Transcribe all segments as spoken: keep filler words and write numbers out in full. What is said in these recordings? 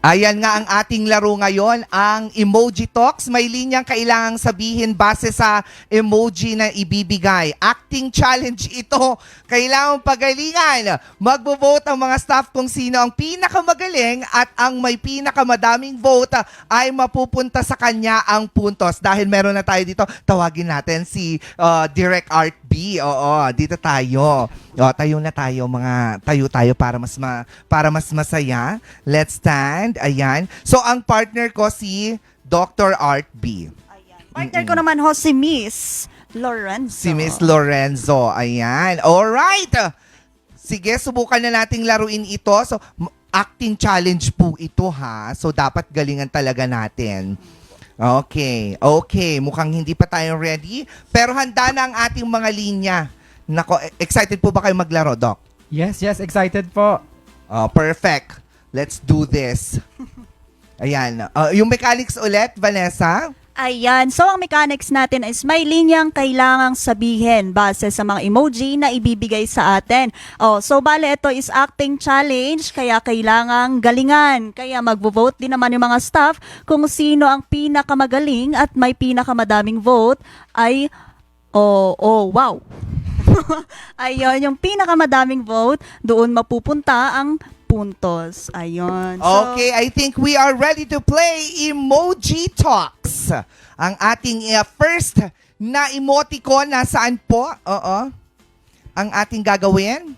Ayan nga ang ating laro ngayon, ang Emoji Talks. May linyang kailangang sabihin base sa emoji na ibibigay. Acting challenge ito. Kailangang pagalingan. Magbo-vote ang mga staff kung sino ang pinakamagaling at ang may pinakamadaming vote ay mapupunta sa kanya ang puntos. Dahil meron na tayo dito, tawagin natin si uh, Direct Art B. Oo, dito tayo. O, tayo na tayo, mga tayo tayo para mas ma, para mas masaya. Let's stand. Ayan. So, ang partner ko si Doctor Art B. Ayan. Partner ko naman ho si Miss Lorenzo. Si Miss Lorenzo. Ayan. Alright. Sige, subukan na nating laruin ito. So, m- acting challenge po ito ha. So, dapat galingan talaga natin. Okay. Okay. Mukhang hindi pa tayo ready. Pero handa na ang ating mga linya. Nako, excited po ba kayo maglaro, Doc? Yes, yes, excited po. Oh, perfect. Let's do this. Ayan. Uh, yung mechanics ulit, Vanessa? Ayan. So, ang mechanics natin is may linyang kailangang sabihin base sa mga emoji na ibibigay sa atin. Oh, so, bale, ito is acting challenge, kaya kailangang galingan. Kaya magvo-vote din naman yung mga staff kung sino ang pinakamagaling at may pinakamadaming vote ay, oh, oh, wow. Ayun, yung pinakamadaming vote, doon mapupunta ang puntos. Ayun. So, Okay, I think we are ready to play Emoji Talks. Ang ating uh, first na emoticon, nasaan po? Oo. Ang ating gagawin?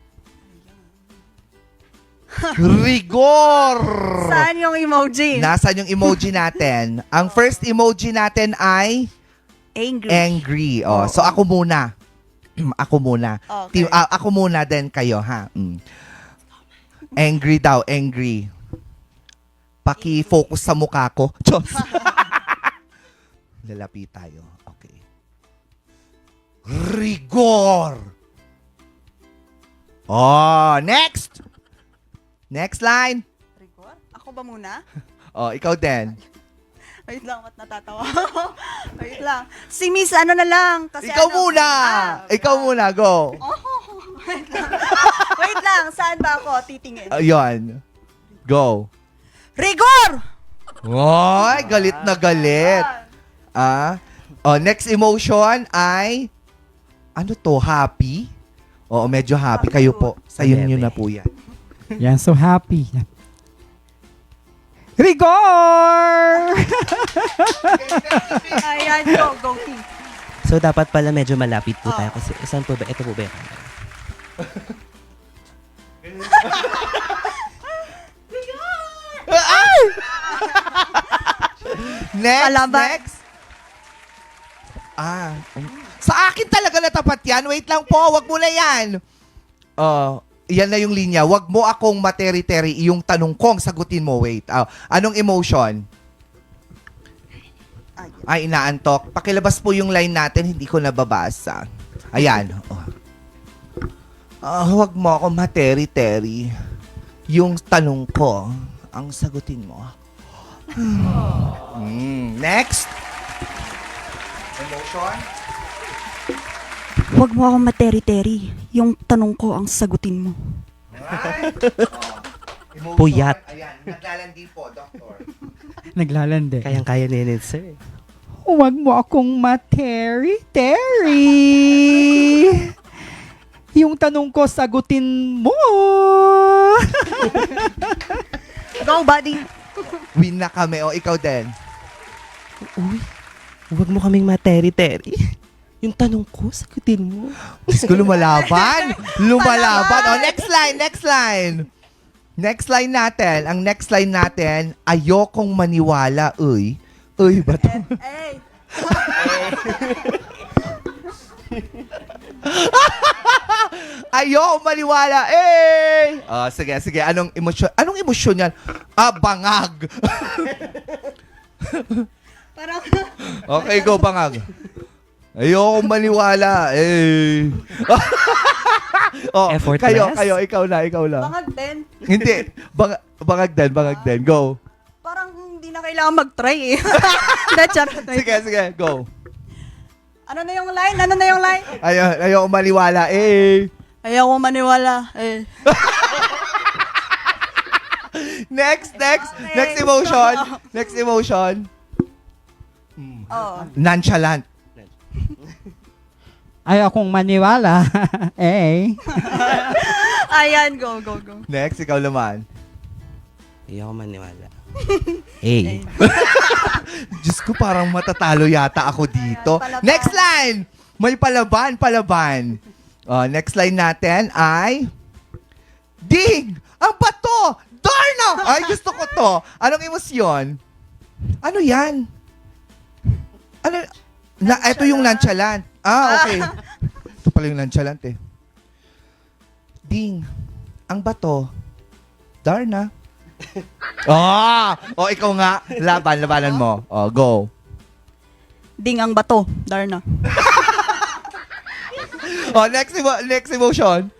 Rigor! saan yung emoji? Nasaan yung emoji natin? Ang first emoji natin ay Angry. angry. Oh, so ako muna. Ako muna. Okay. Team, ah, ako muna din kayo, ha? Mm. Angry daw, angry. Paki-focus sa mukha ko. Diyos. Lalapi tayo. Okay. Rigor! Oh, next! Next line. Rigor? Ako ba muna? Oh, ikaw din. Wait lang, ba't natatawa ako? Wait lang. Si Miss ano na lang. Kasi Ikaw ano, muna! Ah, Ikaw muna, go. Oh, wait lang. Wait lang, saan ba ako titingin? Ayun. Go. Rigor! Ay, galit na galit. Ah, oh, next emotion ay ano to, happy? Oo, medyo happy. Kayo po. Sayo nyo na po yan. Yan, so happy. Rigor! Ayan, go, go, team. So, dapat pala medyo malapit po Oh. tayo kasi saan po ba? Ito po ba yung camera? Next, Palaban. next. Ah, um, sa akin talaga natapat yan. Wait lang po, wag mo na yan. Oh, yan na yung linya. Wag mo akong materi-teri. Yung tanong kong sagutin mo. Wait. Ah, anong emotion? Ay, inaantok. Pakilabas po yung line natin. Hindi ko nababasa. Ayan. Oh. Ah, wag mo akong materi-teri. Yung tanong ko, ang sagutin mo. Hmm. Next. Emotion? Huwag mo akong materi-teri. Yung tanong ko ang sagutin mo. Right. Oh. Emotion. Puyat. Ayan, naglalandi po, Doctor. Naglalande. Kayang-kaya ni Enid, sir. Huwag mo akong materi-teri. Yung tanong ko, sagutin mo. Go, buddy. Win na kami. O, ikaw din. Uy, huwag mo kaming materi-teri. Yung tanong ko, sagutin mo. Diyos ko, lumalaban. Lumalaban. O, next line, next line. Next line natin. Ang next line natin, ayokong maniwala. Uy. Uy, ba to? Hey. Ayokong maniwala. Eh! Oh, sige, sige. Anong emosyon? Anong emosyon yan? Ah, bangag. Parang, Okay, go, bangag. Ayokong maniwala. Eh. Oh, Effortless? kayo, kayo, ikaw na, ikaw na. bangag din. Hindi, bang, bangag din, bangag din. Go. Parang hindi na kailangan mag-try eh. Hindi, charot. Sige, sige, go. Ano na yung line? Ano na yung line? Ayo, ayokong maniwala. Eh. Ayaw ko maniwala. Eh. Next, next, Okay. next emotion. Next emotion. Oh. Nonchalant. Ayaw akong maniwala. eh. Ayan, go, go, go. Next, ikaw naman. Ayaw ko maniwala. Hey. Diyos ko, parang matatalo yata ako dito. Ayan, palaban. Next line! May palaban, palaban. Oh, next line natin ay... Ding! Ang bato! Darna! Ay, gusto ko to. Anong emosyon? Ano yan? Ano? Na, ito yung nonchalant. Ah, okay. Ito pala yung nonchalant eh. Ding! Ang bato. Darna. Oh! Oh, ikaw nga. Laban, labanan mo. Oh, go. Ding ang bato, Darna. Oh, next, emo- next emotion.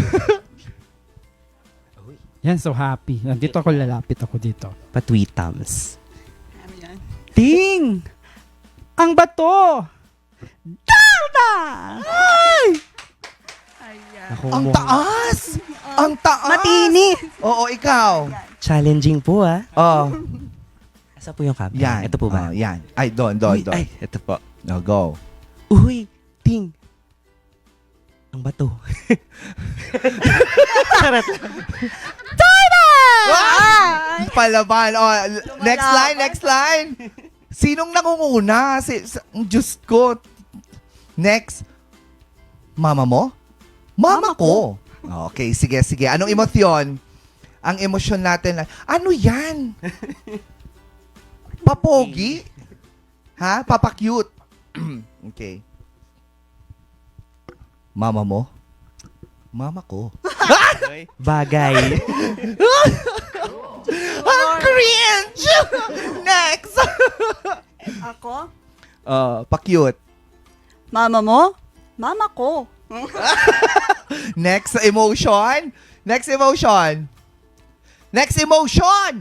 Yan, so happy. Nandito ako, lalapit ako dito. Patwitams. Ayan. Ting! Ang bato! Darna! Ay! Ayan. Ako Ang mo. taas! Ang taas! Matini. Oo, ikaw. Challenging po ah. Oh, Asa po yung camera? yan. Ito po ba? Oh, yan. Ay, doon, doon, Uy, doon. ay, ito po. No, go. Uy, ting. Ang bato. Charot. Ah! Palaban. Oh, l- next line, next line. Sinong nangunguna? Si, sa, Diyos ko. Next. Mama mo? Mama, ko. Okay, sige, sige. Anong emosyon? Ang emosyon natin, na- ano yan? Papogi? Ha? Papakute? Okay. Mama mo? Mama ko. Bagay. Ang cringe! Next! Ako? Uh, pa-cute. Mama mo? Mama ko. Next emotion. Next emotion. Next emotion!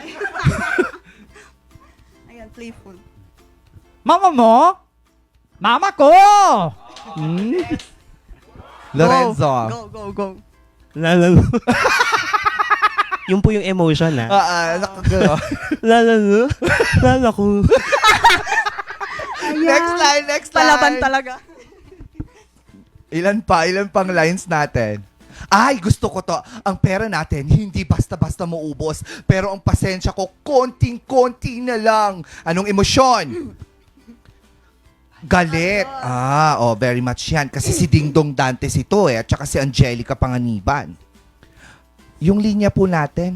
Ayan, playful. Mama mo? Mama ko! Hmm? Lorenzo. Go, go, go. Lalalo. Yung po yung emotion ah. Ah, ah, nakagano. Lalalo. Lalako. Next line, next line. Palaban talaga. Ilan pa? Ilan pang lines natin? Ay, gusto ko to. Ang pera natin, hindi basta-basta maubos. Pero ang pasensya ko, konting-konti na lang. Anong emosyon? Galit. Ah, oh, very much yan. Kasi si Dingdong Dantes ito eh. At saka si Angelica Panganiban. Yung linya po natin.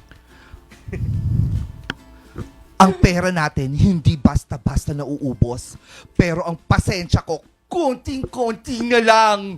Ang pera natin, hindi basta-basta nauubos. Pero ang pasensya ko, konting-konti na lang.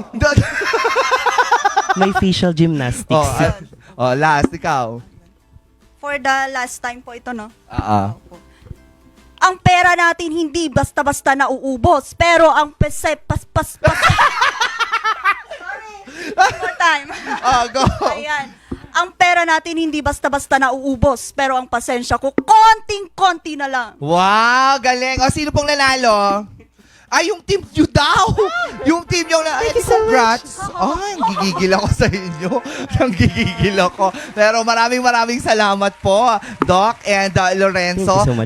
May facial gymnastics. oh, ah, oh, last, ikaw. For the last time po ito, no? Ah, ah. Ang pera natin hindi basta-basta nauubos, pero ang pese, pas, pas, pas. Sorry. One more time. Ah, go. Ayan. Ang pera natin hindi basta-basta nauubos, pero ang pasensya ko, konting-konti na lang. Wow, galing. O, sino pong nanalo? Ay, yung team nyo daw. Yung team nyo na. Ay, congrats. Ay, gigigil ako sa inyo. Nang gigigil ako. Pero maraming maraming salamat po, Doc and uh, Lorenzo. Thank you so much.